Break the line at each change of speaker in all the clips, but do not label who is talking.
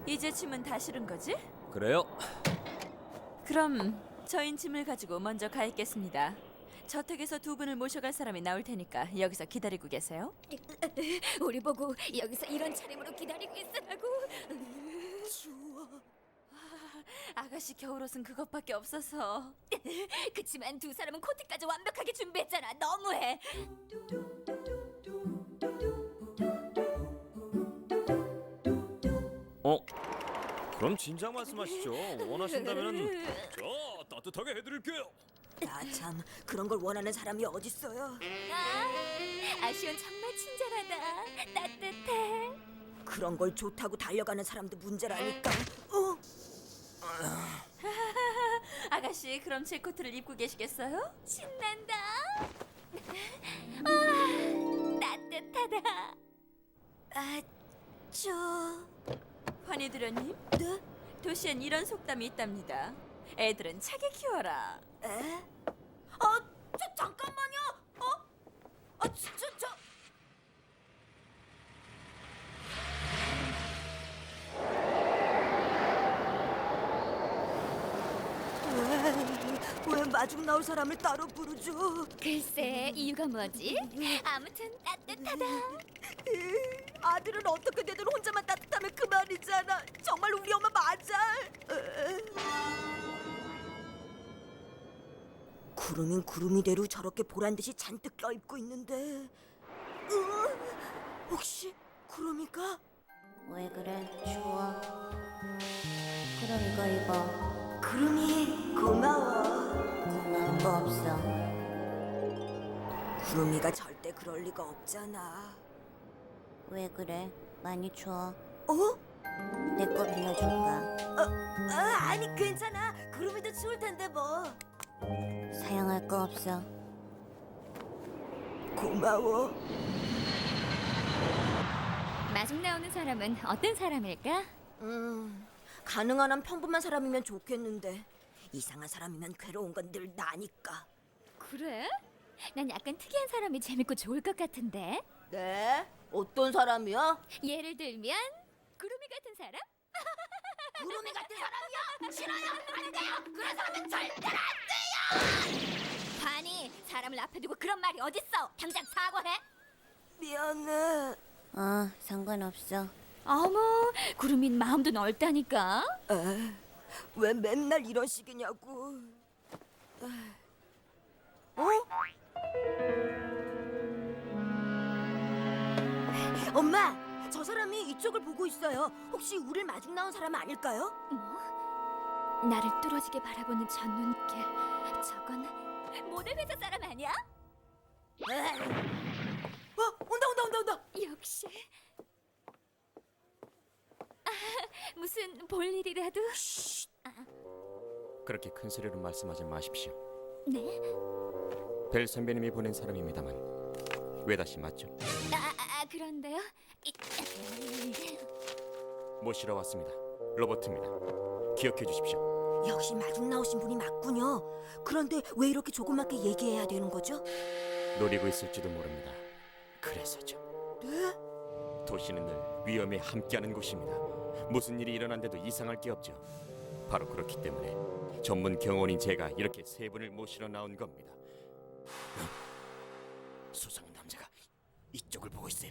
이제 짐은 다 실은 거지?
그래요?
그럼 저인 짐을 가지고 먼저 가 있겠습니다. 저택에서 두 분을 모셔갈 사람이 나올 테니까 여기서 기다리고 계세요.
우리 보고 여기서 이런 차림으로 기다리고 있으라고.
추워. 아가씨 겨울옷은 그것밖에 없어서.
그치만 두 사람은 코트까지 완벽하게 준비했잖아. 너무해.
그럼 진작 말씀하시죠. 원하신다면은 저 따뜻하게 해드릴게요.
나 참 그런 걸 원하는 사람이 어딨어요.
아시온 정말 친절하다. 따뜻해.
그런 걸 좋다고 달려가는 사람도 문제라니까.
아가씨 그럼 제 코트를 입고 계시겠어요?
신난다. 아, 따뜻하다.
환희드려님,
네?
도시엔 이런 속담이 있답니다. 애들은 차게 키워라.
에? 잠깐만요. 왜 마중 나올 사람을 따로 부르죠?
글쎄 이유가 뭐지? 아무튼 따뜻하다.
아들은 어떻게 되든 혼자만 따뜻하면 그만이잖아. 정말 우리 엄마 맞아. 구름인 구름이대로 저렇게 보란 듯이 잔뜩 껴입고 있는데 혹시 구름이가?
왜 그래? 추워. 그럼 이거 입어.
구름이 고마워.
고마운 거 없어.
구름이가 절대 그럴 리가 없잖아.
왜 그래? 많이 추워.
어?
내 거 빌려줄까?
아니 괜찮아. 구름이도 추울 텐데 뭐.
사양할 거 없어.
고마워.
마중 나오는 사람은 어떤 사람일까?
가능한 한 평범한 사람이면 좋겠는데 이상한 사람이면 괴로운 건 늘 나니까.
그래? 난 약간 특이한 사람이 재밌고 좋을 것 같은데.
네? 어떤 사람이야?
예를 들면 구름이 같은 사람?
구름이 같은 사람이야? 싫어요. 안 돼요. 그런 사람은 절대로 안 돼요.
반이 사람을 앞에 두고 그런 말이 어딨어? 당장 사과해.
미안해.
상관없어.
어머, 구름인 마음도 넓다니까.
왜 맨날 이런 식이냐고. 엄마, 저 사람이 이쪽을 보고 있어요. 혹시 우릴 마중 나온 사람 아닐까요?
나를 뚫어지게 바라보는 저 눈길. 저건 모델 회사 사람 아니야?
온다.
역시. 무슨 볼일이라도?
그렇게 큰 소리로 말씀하지 마십시오.
네?
벨 선배님이 보낸 사람입니다만 외다씨 맞죠?
그런데요.
모시러 왔습니다. 로버트입니다. 기억해 주십시오.
역시 마중 나오신 분이 맞군요. 그런데 왜 이렇게 조그맣게 얘기해야 되는 거죠?
노리고 있을지도 모릅니다. 그래서죠.
네?
도시는 늘 위험에 함께하는 곳입니다. 무슨 일이 일어난데도 이상할 게 없죠. 바로 그렇기 때문에 전문 경호원인 제가 이렇게 세 분을 모시러 나온 겁니다. 수상한 남자가 이쪽을 보고 있어요.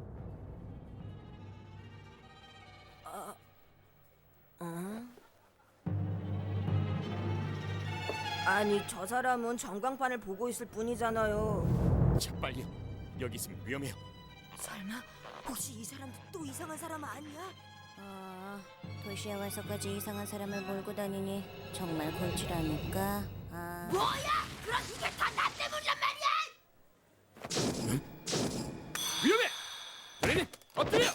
아니 저 사람은 전광판을 보고 있을 뿐이잖아요.
자, 빨리요. 여기 있으면 위험해요.
설마 혹시 이 사람도 또 이상한 사람 아니야?
도시에 와서까지 이상한 사람을 몰고 다니니 정말 골치라니까.
그럼 이게 다 나 때문이란 말이야!
위험해! 도련님, 엎드려!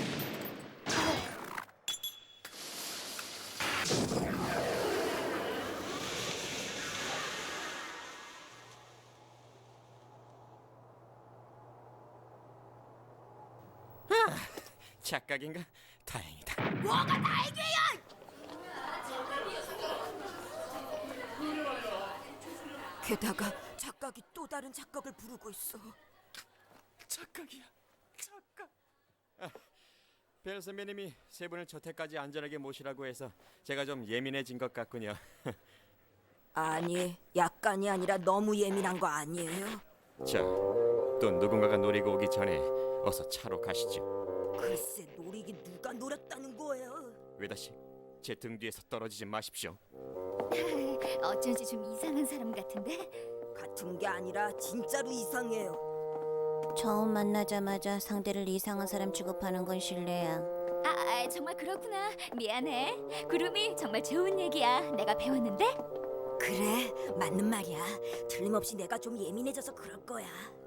착각인가? 다행이다.
뭐가 다행이야! 게다가 착각이 또 다른 착각을 부르고 있어.
착각이야. 착각. 벨 선배님이 세 분을 저택까지 안전하게 모시라고 해서 제가 좀 예민해진 것 같군요.
아니, 약간이 아니라 너무 예민한 거 아니에요?
자, 또 누군가가 노리고 오기 전에 어서 차로 가시죠.
글쎄, 노리기 누가 노렸다는 거예요?
외다 씨, 제 등 뒤에서 떨어지지 마십시오.
어쩐지 좀 이상한 사람 같은데?
같은 게 아니라 진짜로 이상해요.
처음 만나자마자 상대를 이상한 사람 취급하는 건 실례야.
정말 그렇구나. 미안해. 구름이 정말 좋은 얘기야. 내가 배웠는데?
그래, 맞는 말이야. 틀림없이 내가 좀 예민해져서 그럴 거야.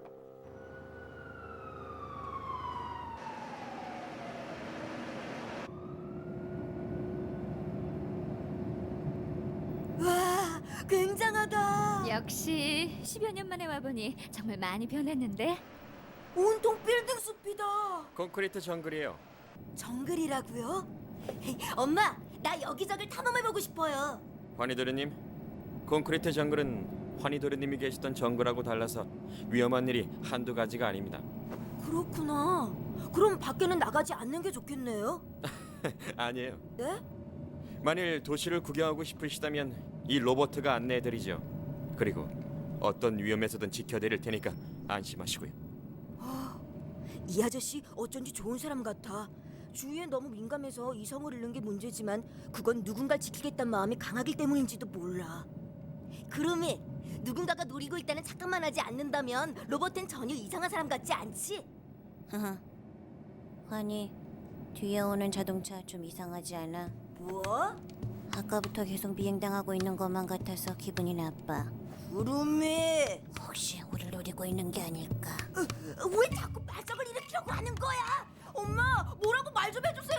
와, 굉장하다.
역시 10여 년 만에 와보니 정말 많이 변했는데?
온통 빌딩 숲이다.
콘크리트 정글이에요.
정글이라고요? 엄마, 나 여기저기 탐험해보고 싶어요.
환희도련님, 콘크리트 정글은 환희도련님이 계시던 정글하고 달라서 위험한 일이 한두 가지가 아닙니다.
그렇구나. 그럼 밖에는 나가지 않는 게 좋겠네요.
아니에요.
네?
만일 도시를 구경하고 싶으시다면 이 로버트가 안내해드리죠. 그리고 어떤 위험에서든 지켜드릴 테니까 안심하시고요.
이 아저씨 어쩐지 좋은 사람 같아. 주위에 너무 민감해서 이성을 잃는 게 문제지만 그건 누군가를 지키겠다는 마음이 강하기 때문인지도 몰라. 그rum이 누군가가 노리고 있다는 착각만 하지 않는다면 로버트는 전혀 이상한 사람 같지 않지?
하하. 환희, 뒤에 오는 자동차 좀 이상하지 않아?
뭐?
아까부터 계속 비행당하고 있는 것만 같아서 기분이 나빠.
그rum이
혹시 우릴 노리고 있는 게 아닐까?
왜 자꾸 말썽을 일으키려고 하는 거야? 엄마, 뭐라고 말 좀 해주세요.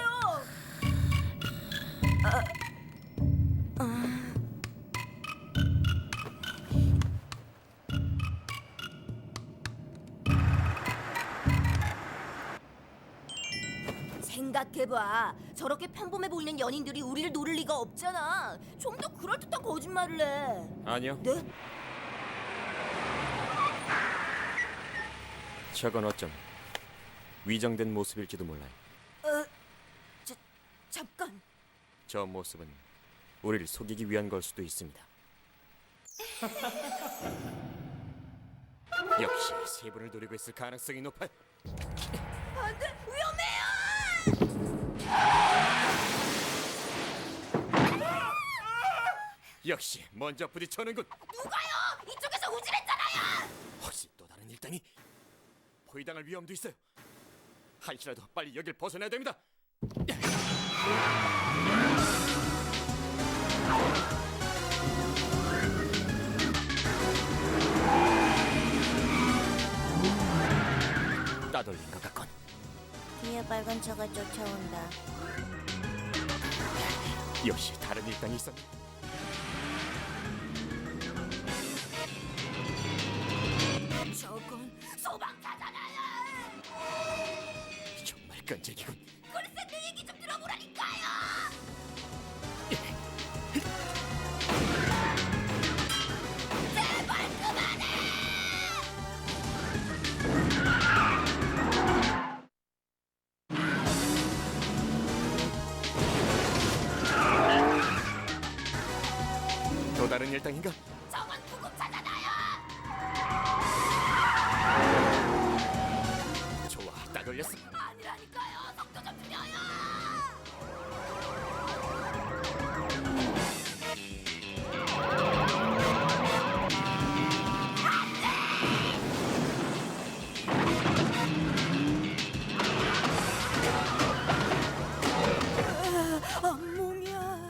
생각해봐. 저렇게 평범해 보이는 연인들이 우리를 노릴 리가 없잖아. 좀 더 그럴듯한 거짓말을 해.
아니요,
네?
저건 어쩜 위장된 모습일지도 몰라요.
잠깐.
저 모습은 우리를 속이기 위한 걸 수도 있습니다. 역시 세 분을 노리고 있을 가능성이 높아요.
안돼, 위험해요.
역시 먼저 부딪혀는군.
누가요? 이쪽에서 우질했잖아요.
혹시 또 다른 일당이 포위당할 위험도 있어요. 한시라도 빨리 여길 벗어나야 됩니다. 따돌린 것 같군.
뒤에 빨간 차가 쫓아온다.
역시 다른 일당이 있었네.
저건 소방차잖아요.
정말 끈질기군.
글쎄, 내 얘기 좀 들어보라니까요. 제발 그만해.
또 다른 일당인가?